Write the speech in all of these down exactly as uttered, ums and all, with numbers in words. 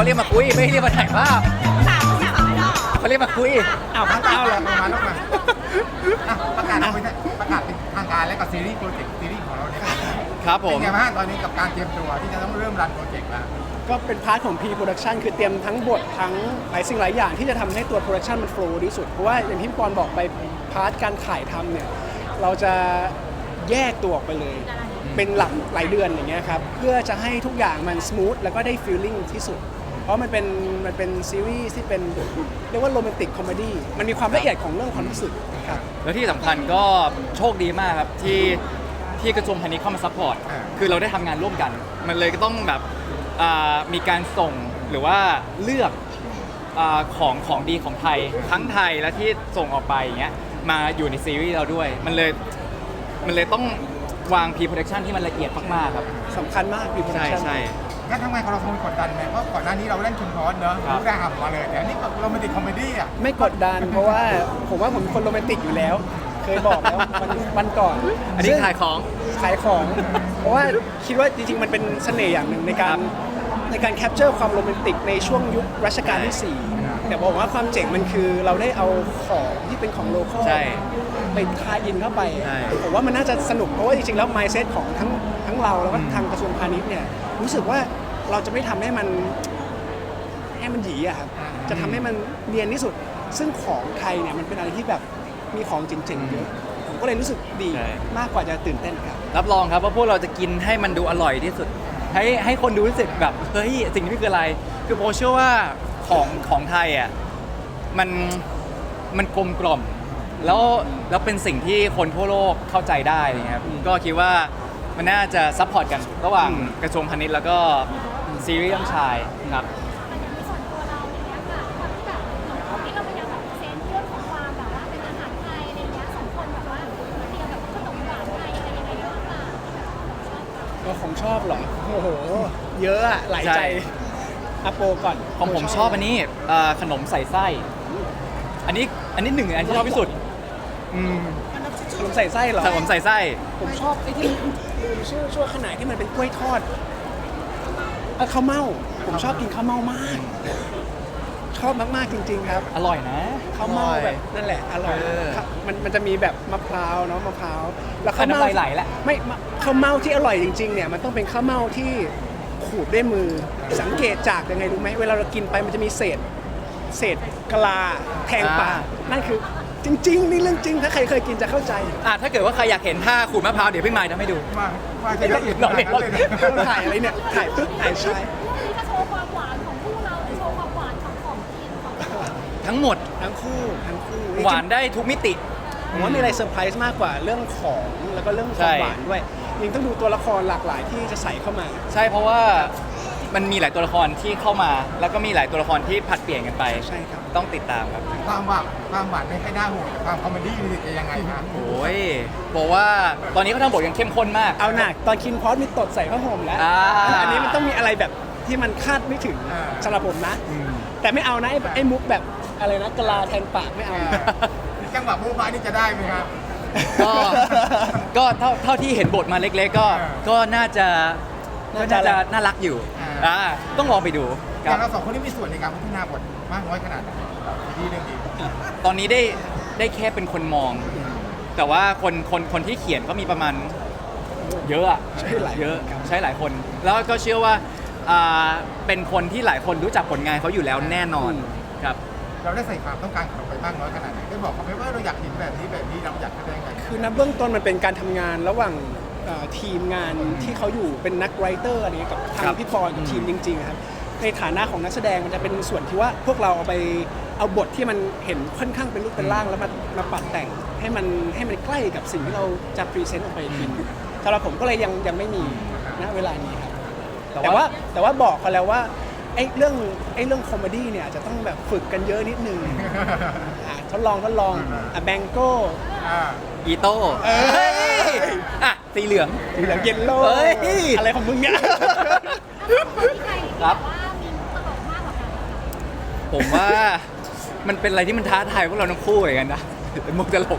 เขาเรียกมาคุยไม่เรียกมาถ่ายภาพสามสามไม่หรอเขาเรียกมาคุยอ้าวพักเท้าเหรอมาลูกมาอ่ะประกาศเป็นประกาศเป็นทางการและกับซีรีส์โปรเจกต์ซีรีส์ของเราเนี่ยครับผเป็นมไงบ้างตอนนี้กับการเตรียมตัวที่จะต้องเริ่มรันโปรเจกต์แล้วก็เป็นพาร์ทของ pre-production คือเตรียมทั้งบททั้งหลายสิ่งหลายอย่างที่จะทำให้ตัว production มัน flow ที่สุด เพราะว่าอย่างที่พี่ปอนบอกไปพาร์ทการถ่ายทำเนี่ยเราจะแยกตัวออกไปเลย เป็นหลักหลายเดือนอย่างเงี้ยครับเพื่อจะให้ทุกอย่างมัน smooth แล้วก็ได้ feeling ที่สุด เพราะมันเป็นมันเป็นซีรีส์ที่เป็นเรียกว่าโรแมนติกคอมเมดี้มันมีความละเอียดของเรื่องความรู้สึกครับแล้วที่สำคัญก็โชคดีมากครับที่ที่กระทรวงพาณิชย์เข้ามาซัพพอร์ตคือเราได้ทำงานร่วมกัน มันเลยก็ต้องแบบอ่ามีการส่งหรือว่าเลือกอาของของดีของไทยทั้งไทยและที่ส่งออกไปอย่างเงี้ยมาอยู่ในซีรีส์เราด้วย มันเลยมันเลยต้องวาง pre-production ที่มันละเอียดมากๆครับสำคัญมาก pre-production ใช่งั้นทำไมของเราคงกดดันไหมเพราะก่อนหน้านี้เราเล่นคิมพอสเนอะครับรู้ได้หับมาเลยแต่อันนี้ก็โรแมนติกคอมเมดี้อ่ะไม่กดดันเพราะว่าผมว่าผมเป็นคนโรแมนติกอยู่แล้ว เคยบอกแล้ววันวันก่อนอันนี้ขายของขายของ เพราะว่าคิดว่าจริงๆ มันเป็นเสน่ห์อย่างหนึ่งในการในการแคปเจอร์ความโรแมนติกในช่วงยุครัชกาลที่สี่แต่บอกว่าความเจ๋งมันคือเราได้เอาของที่เป็นของโลคอลใช่ไปทายอินเข้าไปใช่ผมว่ามันน่าจะสนุกเพราะว่าจริงๆ แล้ว mindset ของทั้งทั้งเราแล้วก็ทางกระทรวงพาณิชย์เนี่ยรู้สึกว่าเราจะไม่ทำให้มันให้มันหยีอะครับจะทำให้มันเนียนที่สุด ซึ่งของไทยเนี่ยมันเป็นอะไรที่แบบมีของเจ๋งๆเยอะผมก็เลยรู้สึกดีใช่มากกว่าจะตื่นเต้นครับรับรองครับว่าพวกเราจะกินให้มันดูอร่อยที่สุด ให้ให้คนดูรู้สึกแบบเฮ้ยสิ่งนี้คืออะไร คือโปเชื่อว่าของของไทยอ่ะมันมันกลมกล่อมแล้วแล้วเป็นสิ่งที่คนทั่วโลกเข้าใจได้นะครับก็คิดว่ามันน่าจะซัพพอร์ตกันระหว่างกระทรวงพาณิชย์แล้วก็ซีรีส์เรื่องชายครับแต่อย่างในส่วนตัวเราเนี่ยค่ะความที่แบบเหมือนที่เราพยายามแบบเซนเรื่องของความแบบว่าเป็นอาหารไทยอะไรเงี้ยสองคนแบบว่าเตรียมแบบขนมหวานไทยอะไรยังไงบ้างค่ะชอบก็ของชอบเหรอ โอ้โห เยอะอะหลายใจใช่อาโปก่อนของผมชอบอันนี้เอ่อขนมใส่ไส้ อันนี้อันนี้หนึ่งอันที่ชอบที่สุดอืมขนมใส่ไส้เหรอขนมใส่ไส้ผมชอบไอ้ที่ลืมชื่อชั่วขนาดที่มันเป็นกล้วยทอดเอ่อข้าวเม่าผมชอบกินข้าวเม่ามาก ชอบมากๆจริง ๆ ครับอร่อยนะข้าวเม่าแบบนั่นแหละอร่อยเออครับมันมันจะมีแบบมะพร้าวเนาะมะพร้าวแล้วอัข้าน วน้ำเม่าลายไหลแล้วไม่มะข้าวเม่าที่อร่อยจริงๆเนี่ยมันต้องเป็นข้าวเม่าที่ขูดด้วยมือสังเกตจากยังไงรู้ไหมเวลาเรากินไปมันจะมีเศษ เศษกะลาแทงปากนั่นคือจริงๆนี่เรื่องจริงถ้าใครเคยกินจะเข้าใจอ่ะถ้าเกิดว่าใครอยากเห็นท่าขูดมะพร้าวเดี๋ยวพี่ไมค์ทำให้ดูมามาจะละเอียดขนาดนั้นเลยนะเราถ่ายอะไรเนี่ยถ่ายปึ๊บถ่ายชายนี่จะโชว์ความหวานของคู่เราหรือโชว์ความหวานของของทีมของเราทั้งหมดทั้งคู่ทั้งคู่หวานได้ทุกมิติผมว่ามีอะไรเซอร์ไพรส์มากกว่าเรื่องของแล้วก็เรื่องควาใช่มหวานด้วยยังต้องดูตัวละครหลากหลายที่จะใส่เข้ามาใช่เพราะว่ามันมีหลายตัวละครที่เข้ามา แล้วก็มีหลายตัวละครที่ผลัดเปลี่ยนกันไปใช่ครับต้องติดตามครับความหวานความหวานไม่ค่อยน่าห่วงแต่ความคอมเมดี้นี่จะยังไงครับโอ้ยบอกว่าตอนนี้เขาทำบทกันเข้มข้นมากเอาหนักตอนคินพอสมีตดใส่ผ้าห่มแล้วอ่าอันนี้มันต้องมีอะไรแบบที่มันคาดไม่ถึงสำหรับผมนะ แต่ไม่เอานะไอ้ไอ้มุกแบบอะไรนะกะลาแทนปากไม่เอาจังหวะบู๊บ้านี่จะได้ไหมครับก็ก็เท่าเท่าที่เห็นบทมาเล็กๆ ก็อ่าก็น่าจะก็น่าจะน่าจะน่ารักอยู่อ่าอ่าต้องลองไปดูอครัย่าบงเราสองคนนี่มีส่วนในการพัฒนาบทมากน้อยขนาดไหนที่เรื่องนี้ตอนนี้ได้ได้แค่เป็นคนมอง แต่ว่าคนคนคนที่เขียนก็มีประมาณเยอะอะใช่หลายเยอะครับใช้หลายคน แล้วก็เชื่อว่าอ่าเป็นคนที่หลายคนรู้จักผลงานเขาอยู่แล้วแน่นอนครับเราได้ใส่ความต้องการของเราไปมากน้อยขนาดไหนได้บอกเขาไหมว่าเราอยากเห็นแบบนี้แบบนี้เราอยากแสดงแบบนี้คือนับเบื้องต้นมันเป็นการทำงานระหว่างเอ่อทีมงานที่เขาอยู่เป็นนักไรเตอร์อะไรเงี้ยกับทาครังบพี่ปอนกับทีมจริงๆครับในฐานะของนักแสดงมันจะเป็นส่วนที่ว่าพวกเราเอาไปเอาบทที่มันเห็นค่อนข้างเป็นรูปเป็นร่างแล้วมามาปรับแต่งให้มันให้มันใกล้กับสิ่งที่เราจะพรีเซนต์ออกไปทีสำหรับผมก็เลยยังยังไม่มีณเวลานี้ครับ แต่ว่าแต่ว่าบอกเขาแล้วว่าไอ้เรื่องไอ้เรื่องคอมเมดี้เนี่ยอาจจะต้องแบบฝึกกันเยอะนิดนึงอ่ะทดลองทดลองอ่ะแบงโก้อ่าอีโต้เอ้ยเฮ้ยอ่ะสีเหลืองเหลืองเยลโล่เฮ้ยอะไรของมึงเนี่ยคนที่ใครครับว่ามีมุกตลกมากกว่ากันผมว่ามันเป็นอะไรที่มันท้าทายพวกเราทั้งคู่เหมือนกันนะเป็นมุกตลกม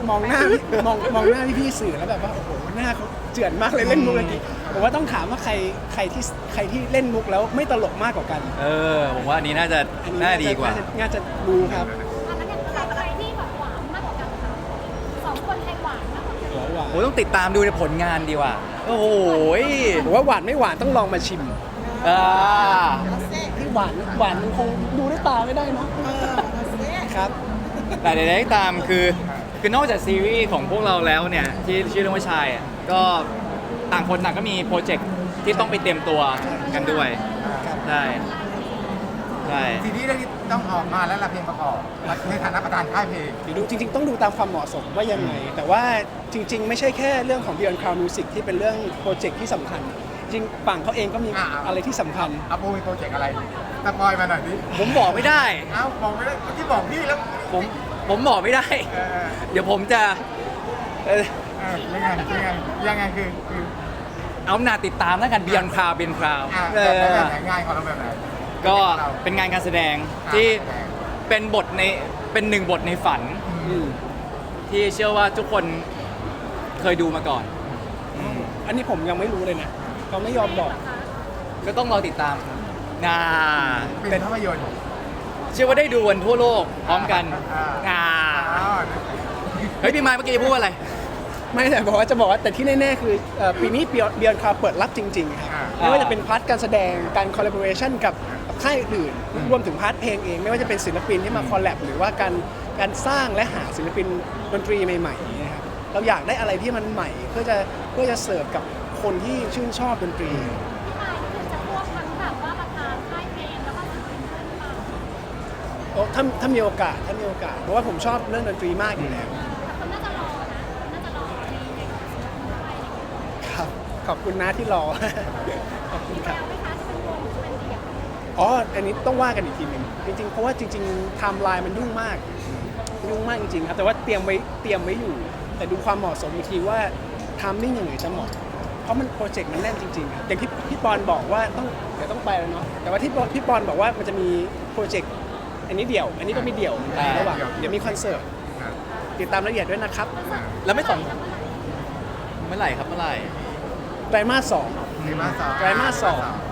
มองหน้าพี่มองมองหน้าพี่ๆสื่อแล้วแบบว่าโอ้โหหน้าเขาเจือนมากเลยเล่นมุกเมื่อกี้ผมว่าต้องถามว่าใครใครที่ใครที่เล่นมุกแล้วไม่ตลกมากกว่ากันเออผมว่าอันนี้น่าจะอันนี้น่าดีกว่าน่จะน่าจะรู้ครับอันนั้นเนี่ยใครใครที่แบบหวานมากกว่ากันคะสองคนใครหวานมากกว่ากันหัวหวานโอ้ต้องติดตามดูในผลงานดีกว่า โอ้โหยผมว่าหวานไม่หวานต้องลองมาชิมอ่าที่หวานหวานมันคงดูด้วยตาไม่ได้เนาะครับแต่ใดๆก็ตามคือคือนอกจากซีรีส์ของพวกเราแล้วเนี่ยที่ชื่อเรื่องว่าชายอ่ะก็ต่างคนต่างก็มีโปรเจกต์ที่ต้องไปเตรียมตัวกันด้วยใช่ใช่ซีรีส์เรื่องนี้ต้องออกมาแล้วละเพลงประกอบในฐานะประธานค่ายเพลงเดี๋ยวดูจริง ๆ ต้องดูตามความเหมาะสมว่ายังไง แต่ว่าจริง ๆ ไม่ใช่แค่เรื่องของ Beyond Cloud Music ที่เป็นเรื่องโปรเจกต์ที่สำคัญ จริงฝั่งเขาเองก็มีอ่าอะไรที่สำคัญอาโปมีโปรเจกต์อะไรสปอยมาหน่อยดิผมบอกไม่ได้เอ้าบอกไม่ได้เมื่อกี้บอกพี่แล้วผมผมบอกไม่ได้เออเออเดี๋ยวผมจะเออเออยังไงยังไงยังไงคือคือเอาหน้าติดตามแล้วกันเบียนคราวเบียนคราวอ่าเอแบบไหนอแบบไหนง่ายของเราแบบไหนก็เป็นงานการแสดงอ่าที่แสดงเป็นบทในเป็นหนึ่งบทในฝันอืมที่เชื่อว่าทุกคนเคยดูมาก่อนอืมอันนี้ผมยังไม่รู้เลยนะเขาไม่ยอมบอกก็ต้องรอติดตามงาเป็นภาพยนตร์เชื่อว่าได้ดูกันทั่วโลกพร้อมกันอ่างาอ๋อเฮ้ยพี่ไม้เมื่อกี้พูดว่าอะไรไม่แต่บอกว่าจะบอกว่าแต่ที่แน่ๆคือเอ่อปีนี้ Beyond Cloud เปิดรับจริงๆครับอ่าไม่ว่าจะเป็นพาร์ทการแสดงการคอล l a b o r a t i o n กับค่ายอื่น รวมถึงพาร์ทเพลงเอง ไม่ว่าจะเป็นศิลปินที่มาคอลแลบหรือว่าการการสร้างและหาศิลปินดนตรีใหม่ๆนะครับเราอยากได้อะไรที่มันใหม่เพื่อจะเพื่อจะเสิร์ฟกับคนที่ชื่นชอบดนตรีพี่มายคือจะควบทั้งแบบว่าประธานค่ายเพลงแล้วก็ศิลปินเพื่อนมาโอ้ถ้าถ้ามีโอกาสถ้ามีโอกาสเพราะว่าผมชอบเรื่องดนตรีมากอยู่แล้วแต่คนน่าจะรอนะคนน่าจะรอในในศิลปินอะไรอย่างเงี้ยครับขอบคุณนะที่รอ ขอบคุณมีคแวรับวไหมคะจะเป็นวงหรือจะเป็นเดี่ยวอ๋อ อันนี้ต้องว่ากันอีกทีหนึ่งจริงๆ เพราะว่าจริงๆไทม์ไลน์มันยุ่งมาก ยุ่งมากจริงๆครับ แต่ว่าเตรียมไว้เตรียมไว้อยู่ แต่ดูความเหมาะสมอีกทีว่าไทามมิ่งยังไงจะเหมาะ เพราะมันโปรเจกต์มันแน่นจริงๆครับอย่างที่พี่ปอนบอกว่าต้องเดี๋ยวต้องไปแล้วเนาะ แต่ว่าที่พี่ปอนบอกว่ามันจะมีโปรเจกต์อันนี้เดี่ยว อันนี้ก็มีเดี่ยวอ่าระหว่างเดี๋ยวมีคอนเสิร์ตอ่าติดตามรายละเอียดด้วยนะครับแล้วไม่สอนเมื่อไหร่ครับเมื่อไหร่ไตรมาสสองไตรมาสสองไตรมาสสอง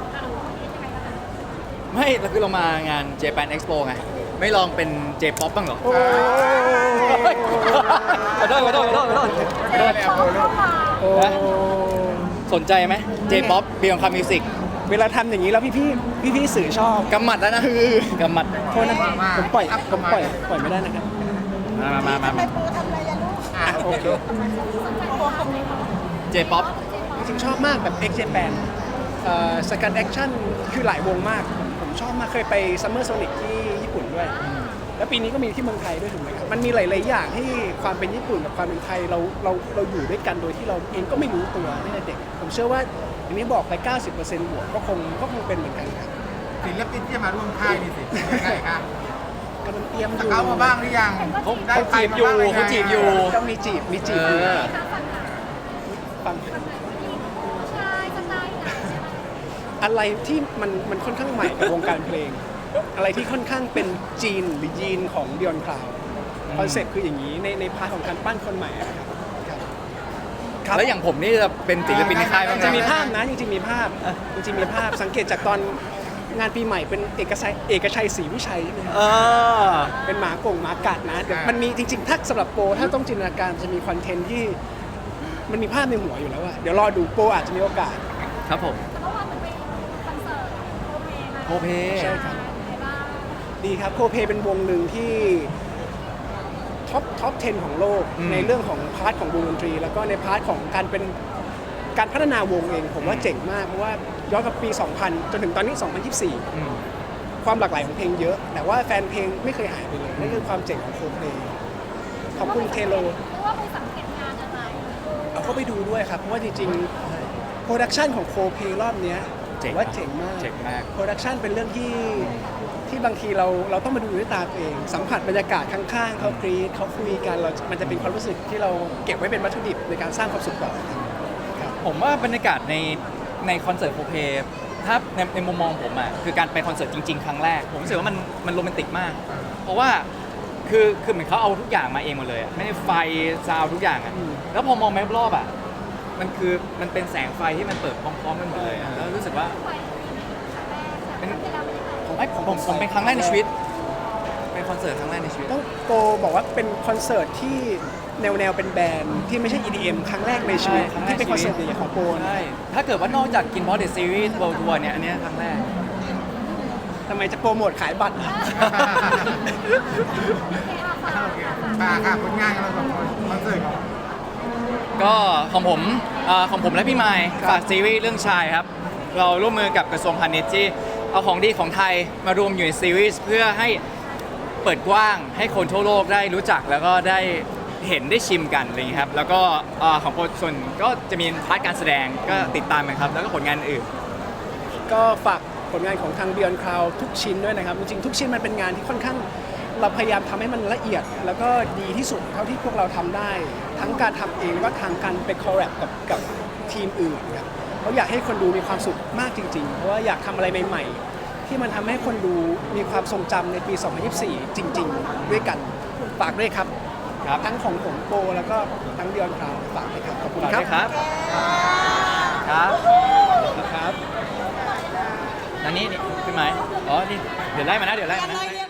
ไม่เราคือเรามางาน Japan Expo ไง ไม่ลองเป็น J-pop บ้างเหรอโอ้ขอโทษขอโทษขอโทษขอโทษไม่ได้เลยอาโปลูกโอ้สนใจไหม J-pop Beyond Cloud Music เวลาทำอย่างนี้แล้วพี่ๆพี่ๆสื่อชอบกำหมัดแล้วนะกำหมัดโทษนะผมปล่อยผมปล่อยปล่อยไม่ได้นะครับมามามามามาอ่าโอเค J-pop จริงๆชอบมากแบบ X Japan สกันแอคชั่นคือหลายวงมาก ผมชอบมากเคยไป Summer Sonic ที่ญี่ปุ่นด้วย แล้วปีนี้ก็มีที่เมืองไทยด้วยถูกไหมครับ มันมีหลาย ๆ อย่างที่ความเป็นญี่ปุ่นกับความเป็นไทยเราเราเราอยู่ด้วยกันโดยที่เราเองก็ไม่รู้ตัวตั้งแต่เด็ก ผมเชื่อว่าอย่างนี้บอกไป เก้าสิบเปอร์เซ็นต์ บวกก็คงก็คงเป็นเหมือนกันครับศิลปินที่จะมาร่วมค่ายนี่สิยังไงครับกำลังเตรียมอสยู่เกามาบ้างหรือยังเขาได้เขาใครจีบมาอยู่บ้างหรืเขาจีบอยู่ก็มีจีบมีจีบเออยู่อฟังผู้ชายสไตล์ไหนอะไรที่มันมันค่อนข้างใหม่กับวงการเพลง อะไรที่ค่อนข้างเป็นจีนหรือยีนของ Beyond Cloud คอนเซ็ปต์คืออย่างนี้ในในพาร์ทของการปั้นคนใหม่อะครับครับครับแล้วอย่างผมนี่จะเป็นศิลปินในค่ายบ้างไหจะมมีภาพนะจริงๆมีภาพจริงๆมีภาพสังเกตจากตอนงานปีใหม่เป็นเอกชัยเอกชัยศรีวิชัยใช่ไหมครับเออเป็นหมากงหมากัดนะเดี๋ยวมันมีจริงๆถ้าสำหรับโปรถ้าต้องจินตนาการจะมีคอนเทนต์ที่มันมีภาพในหัวอยู่แล้วอะเดี๋ยวรอดูโปรอาจจะมีโอกาสครับผมแต่เมื่อวานมันเป็นคอนเสิร์ตโอเพมาโอเพใช่ครับไหนบ้างดีครับโคเพเป็นวงหนึ่งที่ท็อปท็อปสิบของโลกอืมในเรื่องของพาร์ทของวงดนตรี แล้วก็ในพาร์ทของการเป็นการพัฒนาวงเอง ผมว่าเจ๋งมาก เพราะว่าย้อนกับปี สองพัน จนถึงตอนนี้ สองพันยี่สิบสี่อืมความหลากหลายของเพลงเยอะ แต่ว่าแฟนเพลงไม่เคยหายไปเลยนั่นคือความเจ๋งของโคเพขอบคุณเทโลหรือว่าไปสังเกตงานอะไรเอาเข้าไปดูด้วยครับ เพราะว่าจริงๆโปรดักชันของโคเพรอบเนี้ยเจ๋งว่าเจ๋งมากเจ๋งมากโปรดักชันเป็นเรื่องที่ที่บางทีเราเราต้องมาดูด้วยตาตัวเอง สัมผัสบรรยากาศข้างๆเขากรีดเขาคุยกันเรา มันจะเป็นความรู้สึกที่เราเก็บไว้เป็นวัตถุดิบในการสร้างความสุขต่อครับผมว่าบรรยากาศในในคอนเสิร์ตโคเพถ้าในในมุมมองผมอ่ะคือการไปคอนเสิร์ตจริง ๆ ครั้งแรก ผมรู้สึกว่ามันมันโรแมนติกมาก เพราะว่าคือคือเหมือนเขาเอาทุกอย่างมาเองหมดเลยอะไม่ได้ไฟซาวด์ทุกอย่างอะแล้วพอมองแมปรอบอะมันคือมันเป็นแสงไฟที่มันเปิดพร้อมๆกันหมดเลยอะแล้วรู้สึกว่าไปครั้งแรกเป็นเวลาเป็นยังไงผมให้ผมผมผมเป็นครั้งแรกในชีวิต เป็นคอนเสิร์ตครั้งแรกในชีวิตต้องโกบอกว่าเป็นคอนเสิร์ตที่แนวแนวเป็นแบรนด์ที่ไม่ใช่ อี ดี เอ็ม ครั้งแรกในชีวิตใช่ครั้งแรกที่เป็นคอนเสิร์ตใหญ่ๆของโปนใช่ถ้าเกิดว่านอกจากกินพอเดอะซีรีส์ World Tour เนี่ยอันเนี้ยครั้งแรกทำไมจะโปรโมทขายบัตรโอเคมาค่ะผลงานของเราสองคนคอนเสิร์ตของก็ของผมเอ่อของผมและพี่ไมค์ครับฝากซีรีส์เรื่องชายครับ เราร่วมมือกับกระทรวงพาณิชย์ที่เอาของดีของไทยมารวมอยู่ในซีรีส์เพื่อให้เปิดกว้างให้คนทั่วโลกได้รู้จักแล้วก็ได้เห็นได้ชิมกันอะไรอย่างนี้ครับ แล้วก็เอ่อของโปรส่วนก็จะมีพาร์ทการแสดงก็ติดตามกันครับ แล้วก็ผลงานอื่นก็ฝากผลงานของทาง Beyond Cloud ทุกชิ้นด้วยนะครับ จริงๆทุกชิ้นมันเป็นงานที่ค่อนข้างเราพยายามทำให้มันละเอียด แล้วก็ดีที่สุดเท่าที่พวกเราทำได้ ทั้งการทำเองแล้วก็ทางการไปคอลแลบกับกับทีมอื่นครับเราอยากให้คนดูมีความสุขมากจริงๆ เพราะว่าอยากทำอะไรใหม่ๆ ที่มันทำให้คนดูมีความทรงจำในปี สองพันยี่สิบสี่ จริง ๆ ด้วยกันฝากด้วยครับครับทั้งของผมโปแล้วก็ทั้ง Beyond Cloud ฝากด้วยครับขอบคุณฝากครัด้บวยครับ ครับครับอันนี้นี่พี่ไมค์อ๋อ นี่ เดี๋ยวไล่มานะ เดี๋ยวไล่มานะ